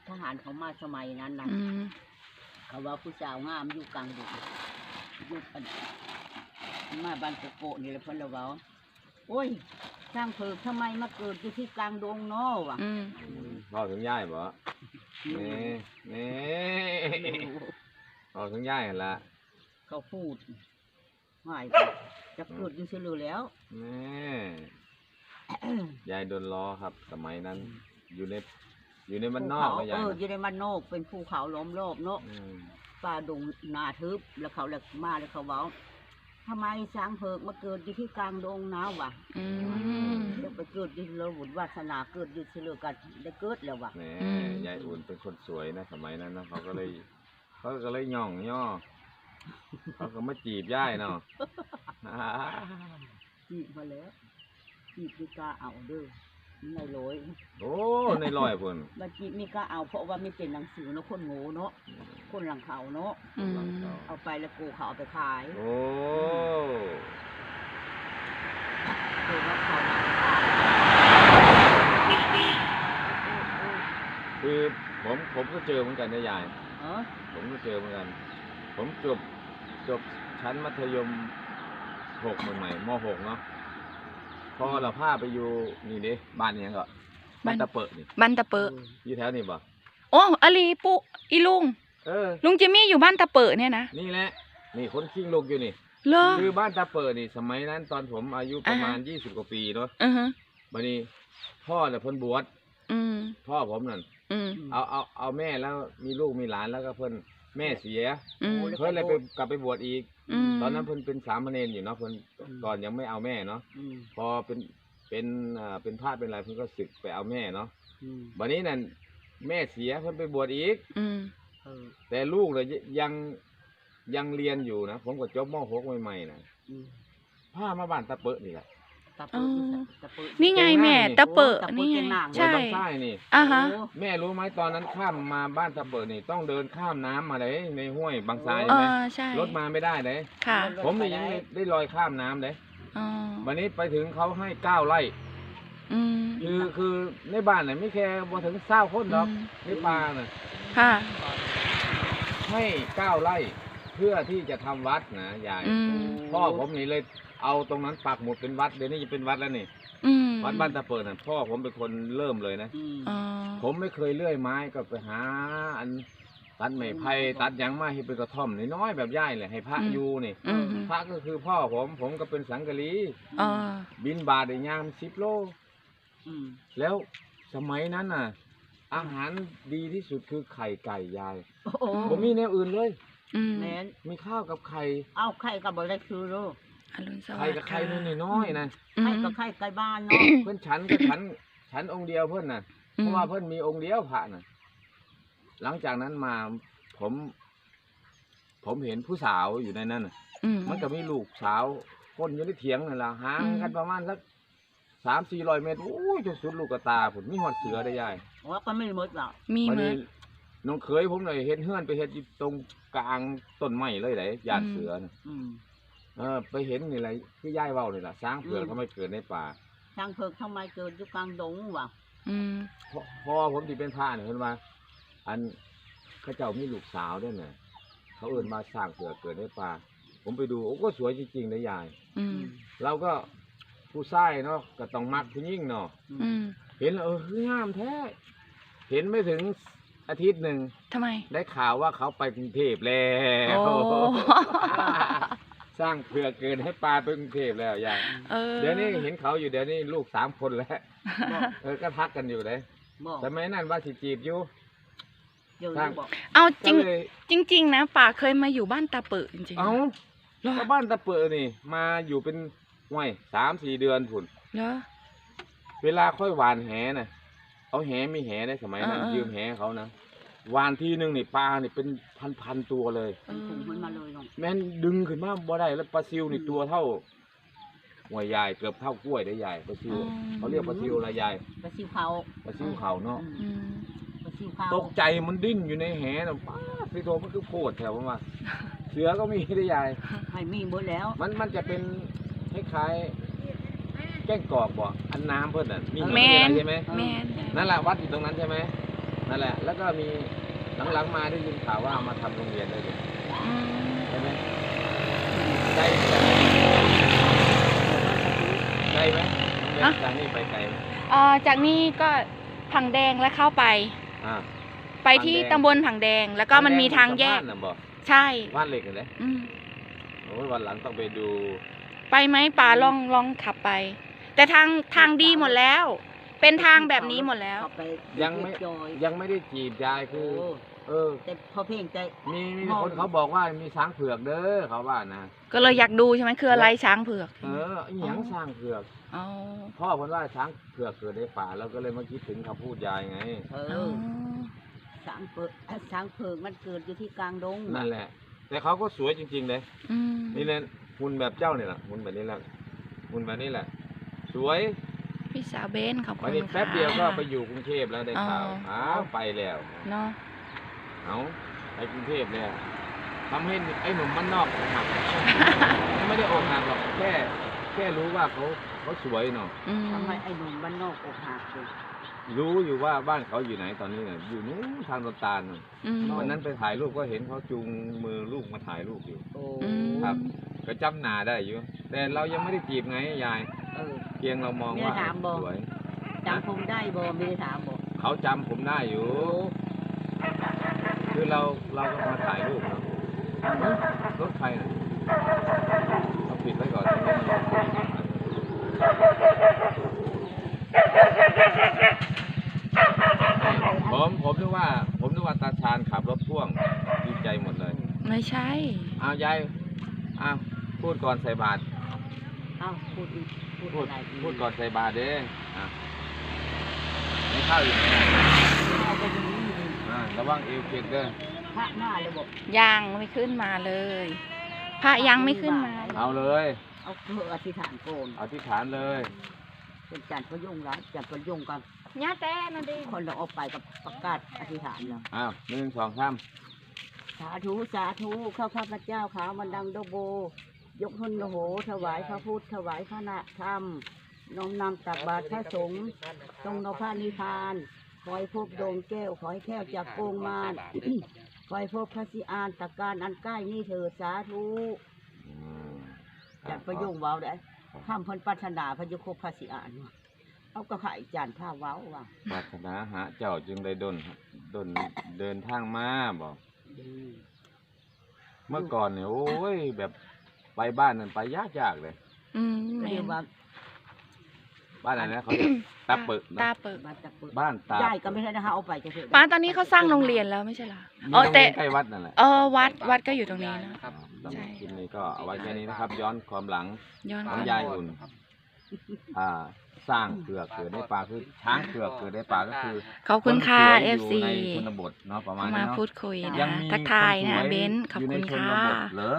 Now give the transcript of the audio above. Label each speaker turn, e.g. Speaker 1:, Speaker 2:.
Speaker 1: ทหารเขามาสมัยนั้นนะเขาว่าผู้สาวงามอยู่กลางดึกอยู่กันมาบ้านโกโก้นี่แหละเพิ่นละเว้าโอ้ยสร้างเพิกทำไมมาเกิดอยู่ที่กลางดงเนาะวะ
Speaker 2: พ่อถึงย่ายบ่นี่พ่อถึงย่ายหั่นล่ะ
Speaker 1: เขาพูดหายจะเกิดอยู่เฉลือแล้ว
Speaker 2: นี่ยายโดนล้อครับสมัยนั้นอยู่ในบ้านนอกก็ยาย
Speaker 1: อยู่ในบ้านนอกเป็นภูเขาล้อมรอบเนาะป่าดงนาทึบแล้วเขาเลยมาแล้วเขาเว้าทำไมช้างเพิกมาเกิดอยู่ที่กลางดงน้าวะเดี๋ยวไปเกิดอยู่เราบุญวาสนาเกิดอยู่เฉลือกันได้เกิดแล้ววะ
Speaker 2: ยายอุ่นเป็นคนสวยนะสมัยนั้นนะเขาก็เลยย่องย่อเขาก็มาจีบย่ายเนาะ
Speaker 1: จีบมาแล้วจีบมีกาเอาเด้อในร้อย
Speaker 2: โอ้ในร้อยคน
Speaker 1: มาจีบมีกาเอาเพราะว่าไม่เป็นหนังสือเนาะคนโง่เนาะคนหลังเขาเนาะเอาไปแล้วกูเขาเอาไปขาย
Speaker 2: โอ้
Speaker 1: คือว่าเขา
Speaker 2: คือผมก็เจอเหมือนกันนะยายผมก็เจอเหมือนกันผมจบชั้นมัธยม6ใหม่ๆม.6 เนาะพอเราพาไปอยู่นี่ดิบ้านนี้ก็บ้านตะเปะนี่
Speaker 3: บ้านตะเปะ
Speaker 2: อยู่แถวนี้ป่ะ
Speaker 3: โอ้อลีปุอีลุงลุงจิมมี่อยู่บ้านตะเปะเนี่ยนะ
Speaker 2: นี่แหละนี่คนขิ้งลูกอยู่นี่คือบ้านตะเปะนี่สมัยนั้นตอนผมอายุประมาณ20 กว่าปีเนาะวันนี้พ่อเนี่ยเพิ่นบวชพ่อผมนั่นเอาแม่แล้วมีลูกมีหลานแล้วก็เพิ่นแม่เสียเพิ่นเลยไปกลับไปบวชอีกตอนนั้นเพิ่นเป็นสามเณรอยู่เนาะเพิ่นก่อนยังไม่เอาแม่เนาะพอเป็นพระเป็นอะไรเพิ่นก็ศึกไปเอาแม่เนาะวันนี้นั่นแม่เสียเพิ่นไปบวชอีกแต่ลูกเลยยังเรียนอยู่นะผมก็จบม.6 ใหม่ๆนะพามาบ้านตะเปะนี่แหละ
Speaker 3: นี่ไงแม่ตะเปะนี่ไง
Speaker 2: ใช่นี่แม่รู้ไหมตอนนั้นข้ามมาบ้านตะเปะนี่ต้องเดินข้ามน้ำมาเลยในห้วยบางทรายใช่ไหมรถมาไม่ได้เลยผมนี่ยังได้ลอยข้ามน้ำเลยวันนี้ไปถึงเขาให้9 ไร่คือในบ้านเนี่ยไม่แค่พอถึง20 คนหรอกในป่าน่ะให้9 ไร่เพื่อที่จะทำวัดนะยายพ่อผมนี่เลยเอาตรงนั้นปักหมุดเป็นวัดเดี๋ยวนี้จะเป็นวัดแล้วนี่วัดบ้านตะเปิดน่ะพ่อผมเป็นคนเริ่มเลยนะผมไม่เคยเลื่อยไม้ก็ไปหาอันตัดไม้ไผ่ตัดยังมาให้เป็นกระท่อมน้อยๆแบบย่ายเลยให้พระอยู่นี่พระก็คือพ่อผมก็เป็นสังกะลีบินบาทได้ยาม10 โลแล้วสมัยนั้นน่ะอาหารดีที่สุดคือไข่ไก่ยายผมมีแนวอื่นเลยมีข้าวกับไข่
Speaker 1: เอาไข่กับอะไรคือลูก
Speaker 2: ไข่กับไข่น้อยๆนะ
Speaker 1: ไข่กับไข่ไก่บ้านเนาะ
Speaker 2: เพื่อนฉันก็ฉันองค์เดียวเพื่อนน่ะเพราะว่าเพื่อนมีองค์เดียวพระน่ะหลังจากนั้นมาผมเห็นผู้สาวอยู่ในนั้นมันก็มีลูกสาวคนอยู่ในเถียงนั่นแหละห่างกันประมาณสัก300-400 เมตรโอ้ยจนสุดลูกกระตาผมมีหอดเสือได้ยาย
Speaker 1: ว่าก็ไม่หมดหรอก
Speaker 3: มีไหม
Speaker 2: น้องเคยผมเลยเห็นเฮือนไปเห็นตรงกลางต้นไม้เลยไหนยานเสือน่ะไปเห็นนี่อะไรที่ย่ายเว้านี่แหละช้างเผือกเขาไม่เกิดในป่า
Speaker 1: ช้างเผือกทำไมเกิดอยู่กลางดงวะ
Speaker 2: พอผมที่เป็นพระเนี่ยเห็นว่าอันข้าเจ้ามีลูกสาวด้วยเนี่ยเขาเอิ้นมาช้างเผือกเกิดในป่าผมไปดูโอ้ก็สวยจริงๆเลยยายเราก็ผู้ชายเนาะก็ต้องมักผู้หญิงเนาะเห็นงามแท้เห็นไม่ถึงอาทิตย์หนึ่ง
Speaker 3: ทำไม
Speaker 2: ได้ข่าวว่าเขาไปกรุงเทพแล้วสร้างเผื่อเกินให้ปลาไปกรุงเทพแล้วยายเดี๋ยวนี้เห็นเขาอยู่เดี๋ยวนี้ลูก3 คนแล้วก็พักกันอยู่เลยแต่ไม่นั่นว่าสิจีบอยู่
Speaker 3: เอาจริงนะป่าเคยมาอยู่บ้านตาเปิดจริงๆ
Speaker 2: เอาแล้วบ้านตาเปิดนี่มาอยู่เป็น3-4 เดือนผุนเวลาค่อยหวานแหน่ะเอาแหมีแหในสมัยนั้นยืมแหเขานะวานทีนึงนี่ปลานี่เป็นพันตัวเลยแม่นดึงขึ้นมาบ่ได้แล้วปลาซิวนี่ตัวเท่าหัวใหญ่เกือบเท่ากล้วยได้ใหญ่ปลาซิวเขาเรียกปลาซิวอะไรใหญ่
Speaker 1: ปลาซิวเขา
Speaker 2: เนาะตกใจมันดิ้นอยู่ในแหน่ะป้าสิโตมันคือโคตรแถวว่าเสือก็มีได้ใหญ่
Speaker 1: ไม่มีหมดแล้ว
Speaker 2: มันจะเป็นคล้ายแก้งกอกบ่อันน้ำเพิ่นน่ะมีอะไรใช่ไหมนั่นแหละวัดอยู่ตรงนั้นใช่ไหมนั่นแหละ แล้วก็มีหลังๆมาได้ยินข่าวว่ามาทำโรงเรียนได้เลยใช่ไหมไกลไหมจากนี่ไปไกลไหม
Speaker 3: จากนี้ก็ผังแดงแล้วเข้าไปไปที่ตำบลผังแดงแล้วก็มันมีทางแยกใช่
Speaker 2: บ้านเหล็กเลยโอ้ยวันหลังต้องไปดู
Speaker 3: ไปไหมป่าลองขับไปแต่ทางดีหมดแล้วเป็นทางแบบนี้หมดแล้ว
Speaker 2: ยังไม่ได้จีบยายคือ
Speaker 1: แต่พอเพ่งใจ
Speaker 2: มีคนเขาบอกว่ามีช้างเผือกเด้อเขาว่านะ
Speaker 3: ก็เลยอยากดูใช่ไหมคืออะไรช้างเผือก
Speaker 2: หยังช้างเผือกพ่อคนว่าช้างเผือกเกิดในป่าแล้วก็เลยมาคิดถึงคำพูดยายไง
Speaker 1: ช้างเผือกมันเกิดอยู่ที่กลางดง
Speaker 2: นั่นแหละแต่เขาก็สวยจริงๆเลยนี่เลยหุ่นแบบเจ้าเนี่ยแหละหุ่นแบบนี้แหละหุ่นแบบนี้แหละสวย
Speaker 3: พี่สาวเบนขอบคุณ
Speaker 2: ค่ะแป๊บเดียวก็ไปอยู่กรุงเทพแล้วได้ข่าวไปแล้ว
Speaker 3: เนาะ
Speaker 2: เอาไปกรุงเทพเลยทำให้ไอ้หนุ่มบ้านนอกอกหักไม่ได้อกหักหรอกแค่รู้ว่าเขาสวยเนาะ
Speaker 1: ทำไมไอ้หนุ่มบ้านนอกอกหัก
Speaker 2: รู้อยู่ว่าบ้านเขาอยู่ไหนตอนนี้เนี่ยอยู่นู้นทางต้นตาลวันนั้นไปถ่ายรูปก็เห็นเขาจูงมือลูกมาถ่ายรูปอยู่ครับก็จำหน้าได้อยู่แต่เรายังไม่ได้จีบไงยายเพียงเรามองว่าสวย
Speaker 1: จำผมได้บ่ไม่ได้ถามบ่
Speaker 2: เขาจำผมได้อยู่คือเราก็มาถ่ายรูปเนาะรถไฟน่ะเราปิดไว้ก่อนผมนึกว่าตาชาญขับรถพ่วงดีใจหมดเลย
Speaker 3: ไม่ใช่
Speaker 2: ยายพูดก่อนใส่บาตรพูดก่อนใส่บาตรเด้ไม่เข้าอยู่ระวังเอวเกล็ดเด้อ
Speaker 1: พระหน้าเลยบอก
Speaker 3: ยังไม่ขึ้นมาเลยพระยังไม่ขึ้นมา
Speaker 2: เอาเลย
Speaker 1: เอาเพื่ออธิษฐานโกน
Speaker 2: อธิษฐานเลย
Speaker 1: เป็นจันทร์พยุ่งร้ายจันทร์พยุ่งกัน
Speaker 3: ย่าแต่นั่นดิ
Speaker 1: คนเราออกไปกับประกาศอธิษฐานแล้ว
Speaker 2: 1 2 3
Speaker 1: สาธุสาธุข้าพเจ้าขาวมันดังโดโบยกหุนโหถวายพระพุทธถวายพระธรรมน้อมนำตักบาตรพระสงฆ์ทรงนพนิพพานขอให้พบดวงแก้วขอให้แก้วจากโกงมารขอให้พบพระสิอานตะการอันใกล้นี่เถิดสาธุจัดประโยงว้าวได้ข้ามพันปัฒนาพระยุคพระสิอานเอากระไข่จานผ้าว้าวว่ะ
Speaker 2: ปัฒนาหาเจ้าจึงได้ดนเดินทางมาบอกเมื่อก่อนเนี่ยโอ้ยแบบไปบ้านนั่นไปยากเลย
Speaker 1: เรียกว่า
Speaker 2: บ้านอะไรนะเขาตาเปิดบ้านตา
Speaker 1: ใหญ่ก็ไม่ใช่นะคะเอาไปจะเถอะ
Speaker 3: ป้าตอนนี้เขาสร้างโรงเรียนแล้วไม่ใช่หรอ
Speaker 2: แต่ใกล้วัดนั่นแหละ
Speaker 3: วัดก็อยู่ตรงนี้นะ
Speaker 2: ใช่ทีนี้ก็เอาไว้แค่นี้นะครับย้อนความหลังของยายอุ่นสร้างเผือกเกิดในป่าคือช้างเผือกเกิดในป่าก็คือ
Speaker 3: ขอบคุณค่ะ
Speaker 2: FC ในชนบทเนาะประมาณนี้
Speaker 3: มาพูดคุยนะทักทายนะเบนขอบคุณค่ะ